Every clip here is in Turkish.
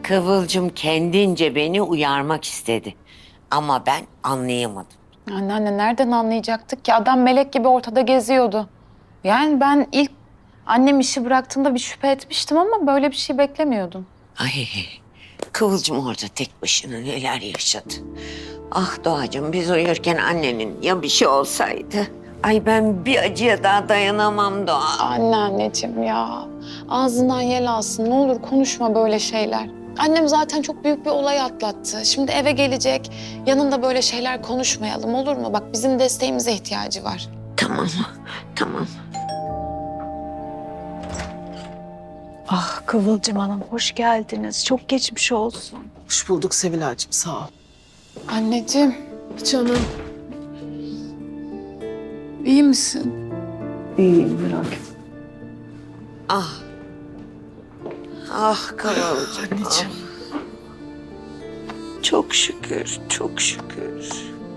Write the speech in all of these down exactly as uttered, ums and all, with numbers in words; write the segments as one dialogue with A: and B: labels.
A: Kıvılcım kendince beni uyarmak istedi. Ama ben anlayamadım.
B: Anneanne nereden anlayacaktık ki? Adam melek gibi ortada geziyordu. Yani ben ilk annem işi bıraktığında bir şüphe etmiştim ama böyle bir şey beklemiyordum.
A: Ay, Kıvılcım orada tek başına neler yaşadı. Ah Doğacığım, biz uyurken annenin ya bir şey olsaydı. Ay ben bir acıya daha dayanamam Doğa.
B: Anneanneciğim ya. Ağzından yel alsın. Ne olur konuşma böyle şeyler. Annem zaten çok büyük bir olay atlattı. Şimdi eve gelecek. Yanında böyle şeyler konuşmayalım, olur mu? Bak bizim desteğimize ihtiyacı var.
A: Tamam, tamam.
C: Ah Kıvılcım Hanım, hoş geldiniz. Çok geçmiş olsun.
D: Hoş bulduk Sevilay'cığım, sağ ol.
B: Anneciğim,
D: Canım.
B: iyi misin?
C: İyiyim, merak etme.
A: Ah. Ah Kıvılcım.
D: Anneciğim.
A: ah. Çok şükür, çok şükür.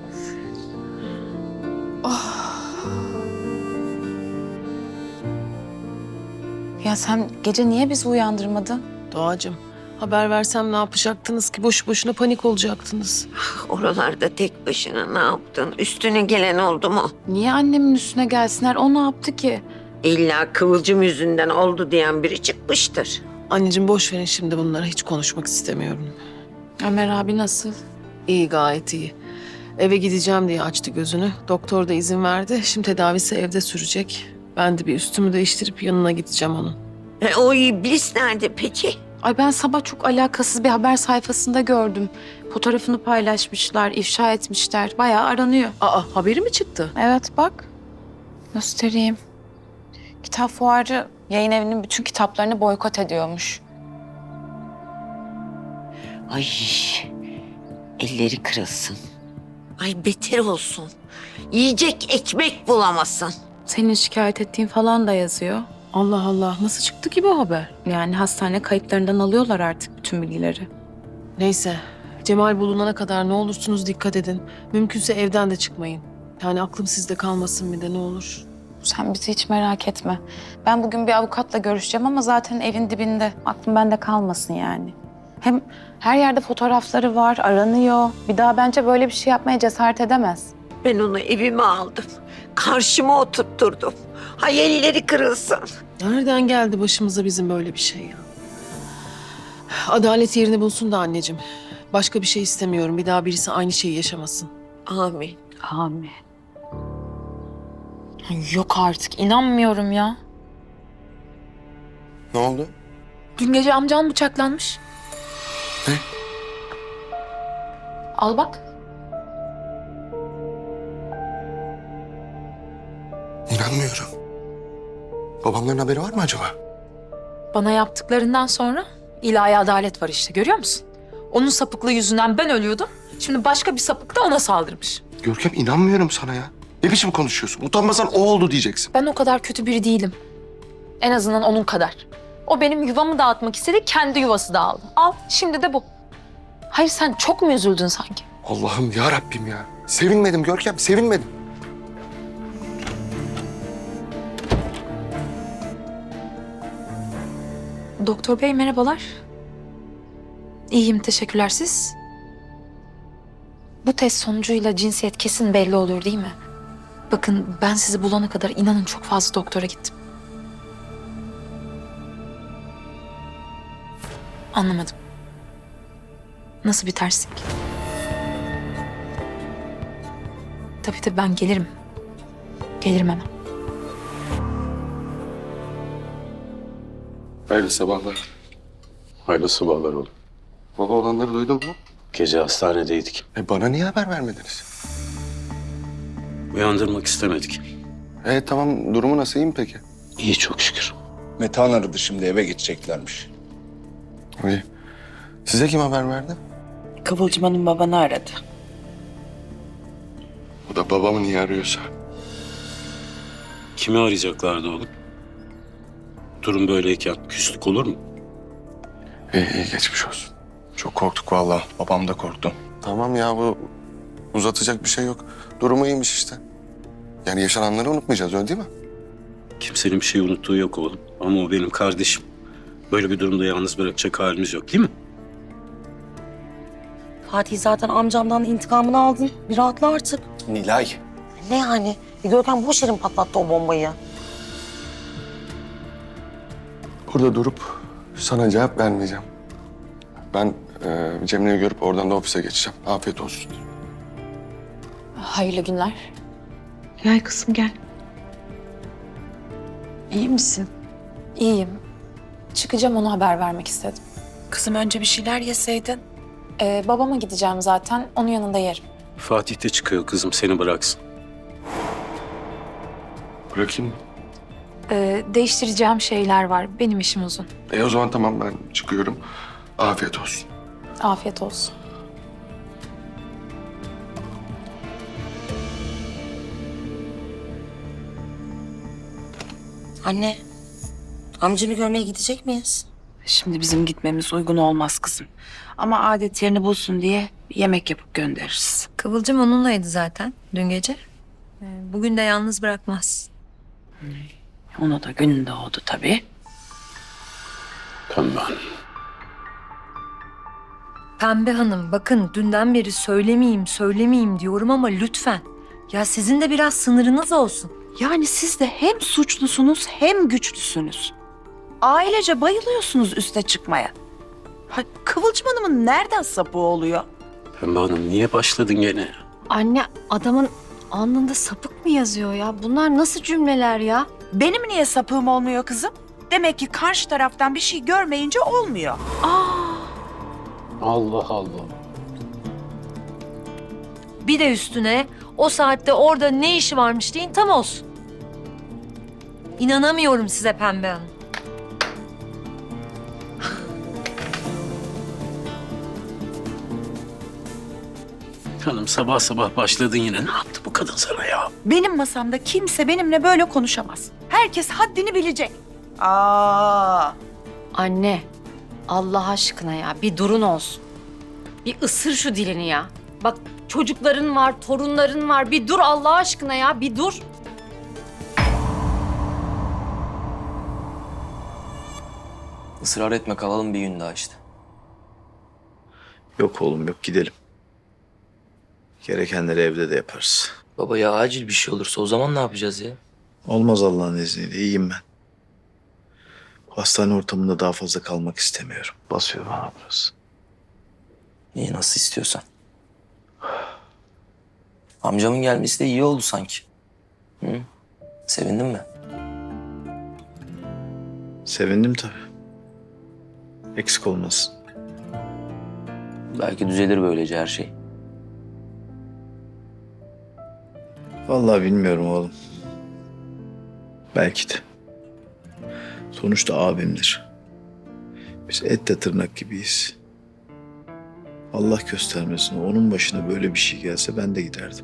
B: Ya sen gece niye bizi uyandırmadın?
D: Doğacığım, haber versem ne yapacaktınız ki? Boşu boşuna panik olacaktınız.
A: Oralarda tek başına ne yaptın? Üstüne gelen oldu mu?
B: Niye annemin üstüne gelsinler? O ne yaptı ki?
A: İlla Kıvılcım yüzünden oldu diyen biri çıkmıştır.
D: Anneciğim boş verin şimdi bunları, hiç konuşmak istemiyorum.
B: Ömer abi nasıl?
D: İyi, gayet iyi. Eve gideceğim diye açtı gözünü. Doktor da izin verdi. Şimdi tedavisi evde sürecek. Ben de bir üstümü değiştirip yanına gideceğim onun.
A: E, o iblis nerede peki?
B: Ay ben sabah çok alakasız bir haber sayfasında gördüm. Fotoğrafını paylaşmışlar, ifşa etmişler. Bayağı aranıyor.
D: Aa, haberi mi çıktı?
B: Evet bak. Göstereyim. Kitap fuarı yayın evinin bütün kitaplarını boykot ediyormuş.
A: Ay, elleri kırılsın. Ay beter olsun. Yiyecek ekmek bulamasın.
B: Senin şikayet ettiğin falan da yazıyor.
D: Allah Allah, nasıl çıktı ki bu haber?
B: Yani hastane kayıtlarından alıyorlar artık bütün bilgileri.
D: Neyse, Cemal bulunana kadar ne olursunuz dikkat edin. Mümkünse evden de çıkmayın. Yani aklım sizde kalmasın bir de ne olur.
B: Sen bizi hiç merak etme. Ben bugün bir avukatla görüşeceğim ama zaten evin dibinde. Aklım bende kalmasın yani. Hem her yerde fotoğrafları var, aranıyor. Bir daha bence böyle bir şey yapmaya cesaret edemez.
A: Ben onu evime aldım. Karşıma oturtturdum. Hay elleri kırılsın.
D: Nereden geldi başımıza bizim böyle bir şey ya? Adalet yerini bulsun da anneciğim. Başka bir şey istemiyorum. Bir daha birisi aynı şeyi yaşamasın.
A: Amin.
B: Amin. Yok artık, inanmıyorum ya.
E: Ne oldu?
B: Dün gece amcan bıçaklanmış.
E: Ne?
B: Al bak.
E: İnanmıyorum. Babamların haberi var mı acaba?
F: Bana yaptıklarından sonra ilahi adalet var işte, görüyor musun? Onun sapıklığı yüzünden ben ölüyordum. Şimdi başka bir sapık da ona saldırmış.
E: Görkem, inanmıyorum sana ya. Ne biçim konuşuyorsun? Utanmasan o oldu diyeceksin.
F: Ben o kadar kötü biri değilim. En azından onun kadar. O benim yuvamı dağıtmak istedi, kendi yuvası dağıldı. Al, şimdi de bu. Hayır, sen çok mu üzüldün sanki?
E: Allah'ım ya Rabbim ya. Sevinmedim Görkem, sevinmedim.
F: Doktor bey merhabalar. İyiyim, teşekkürler. Siz? Bu test sonucuyla cinsiyet kesin belli olur değil mi? Bakın ben sizi bulana kadar inanın çok fazla doktora gittim. Anlamadım. Nasıl bir terslik? Tabii tabii ben gelirim. Gelirim hemen.
E: Hayırlı sabahlar.
G: Hayırlı sabahlar oğlum.
E: Baba, olanları duydun mu?
G: Gece hastanedeydik.
E: E bana niye haber vermediniz?
G: Uyandırmak istemedik.
E: E tamam, durumu nasıl, iyi mi peki?
G: İyi çok şükür.
H: Metehan aradı, şimdi eve gideceklermiş.
E: İyi. Size kim haber verdi?
C: Kıvılcım Hanım babanı aradı.
E: O da babamı niye arıyorsa.
G: Kimi arayacaklardı oğlum? Durum böyleyken küslük olur mu?
E: İyi, iyi, geçmiş olsun.
H: Çok korktuk vallahi. Babam da korktu.
E: Tamam ya, bu uzatacak bir şey yok. Durumu iyiymiş işte. Yani yaşananları unutmayacağız, öyle değil mi?
G: Kimsenin bir şey unuttuğu yok oğlum. Ama o benim kardeşim. Böyle bir durumda yalnız bırakacak halimiz yok değil mi?
I: Fatih zaten amcamdan intikamını aldın. Bir rahatla artık.
H: Nilay.
I: Ne yani? E, Görkem boş yerin patlattı o bombayı.
E: Burada durup sana cevap vermeyeceğim. Ben e, Cemile'yi görüp oradan da ofise geçeceğim. Afiyet olsun.
B: Hayırlı günler.
C: Gel kızım gel. İyi misin?
B: İyiyim. Çıkacağım, ona haber vermek istedim.
C: Kızım önce bir şeyler yeseydin.
B: Ee, babama gideceğim zaten. Onun yanında yerim.
G: Fatih de çıkıyor kızım, seni bıraksın.
E: Bırakayım mı?
F: Ee, değiştireceğim şeyler var. Benim işim uzun.
E: E o zaman tamam, ben çıkıyorum. Afiyet olsun.
B: Afiyet olsun.
I: Anne, amcamı görmeye gidecek miyiz?
C: Şimdi bizim gitmemiz uygun olmaz kızım. Ama adet yerini bulsun diye bir yemek yapıp göndeririz.
J: Kıvılcım onunlaydı zaten dün gece. Ee, Bugün de yalnız bırakmaz.
C: Ona da gün doğdu tabii.
G: Tamam.
J: Pembe Hanım bakın dünden beri söylemeyeyim söylemeyeyim diyorum ama lütfen. Ya sizin de biraz sınırınız olsun.
C: Yani siz de hem suçlusunuz hem güçlüsünüz. Ailece bayılıyorsunuz üste çıkmaya. Ha, Kıvılcım Hanım'ın nereden sapı oluyor?
G: Pembe Hanım niye başladın gene?
J: Anne adamın alnında sapık mı yazıyor ya? Bunlar nasıl cümleler ya?
C: Benim niye sapığım olmuyor kızım? Demek ki karşı taraftan bir şey görmeyince olmuyor.
G: Allah Allah.
J: Bir de üstüne o saatte orada ne işi varmış deyin tam olsun. İnanamıyorum size Pembe Hanım.
G: Hanım sabah sabah başladın yine. Ne yaptı bu kadın sana ya?
C: Benim masamda kimse benimle böyle konuşamaz. Herkes haddini bilecek. Aa,
J: Anne Allah aşkına ya bir durun olsun. Bir ısır şu dilini ya. Bak çocukların var, torunların var. Bir dur Allah aşkına ya bir dur.
K: Israr etme, kalalım bir gün daha işte.
H: Yok oğlum yok, gidelim. Gerekenleri evde de yaparız.
K: Baba ya acil bir şey olursa o zaman ne yapacağız ya?
H: Olmaz Allah'ın izniyle, iyiyim ben. Hastane ortamında daha fazla kalmak istemiyorum. Basıyor bana burası.
K: İyi nasıl istiyorsan. Amcamın gelmesi de iyi oldu sanki. Hı? Sevindin mi?
H: Sevindim tabii. Eksik olmasın.
K: Belki düzelir böylece her şey.
H: Vallahi bilmiyorum oğlum. Belki de. Sonuçta abimdir. Biz etle tırnak gibiyiz. Allah göstermesin, onun başına böyle bir şey gelse ben de giderdim.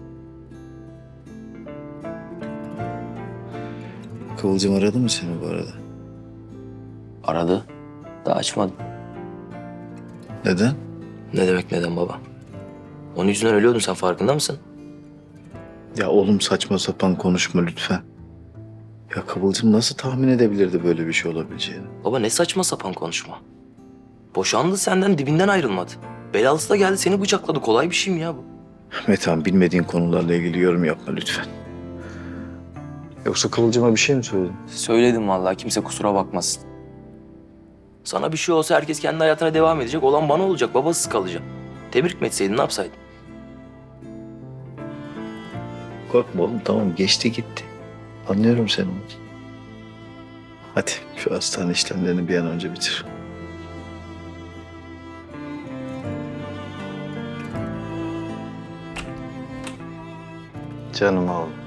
H: Kıvılcım aradı mı seni bu arada?
K: Aradı. Daha açmadım.
H: Neden?
K: Ne demek neden baba? Onun yüzünden ölüyordun, sen farkında mısın?
H: Ya oğlum saçma sapan konuşma lütfen. Ya Kıvılcım nasıl tahmin edebilirdi böyle bir şey olabileceğini?
K: Baba ne saçma sapan konuşma. Boşandı senden, dibinden ayrılmadı. Belalısı da geldi seni bıçakladı. Kolay bir şey mi ya bu?
H: Metehan, bilmediğin konularla ilgili yorum yapma lütfen. Yoksa Kıvılcım'a bir şey mi söyledin?
K: Söyledim vallahi, kimse kusura bakmasın. Sana bir şey olsa herkes kendi hayatına devam edecek. Olan bana olacak, babasız kalacağım. Tebrik mi etseydin, ne yapsaydın?
H: Korkma oğlum, tamam geçti gitti. Anlıyorum seni. Hadi şu hastane işlemlerini bir an önce bitir. Canım oğlum.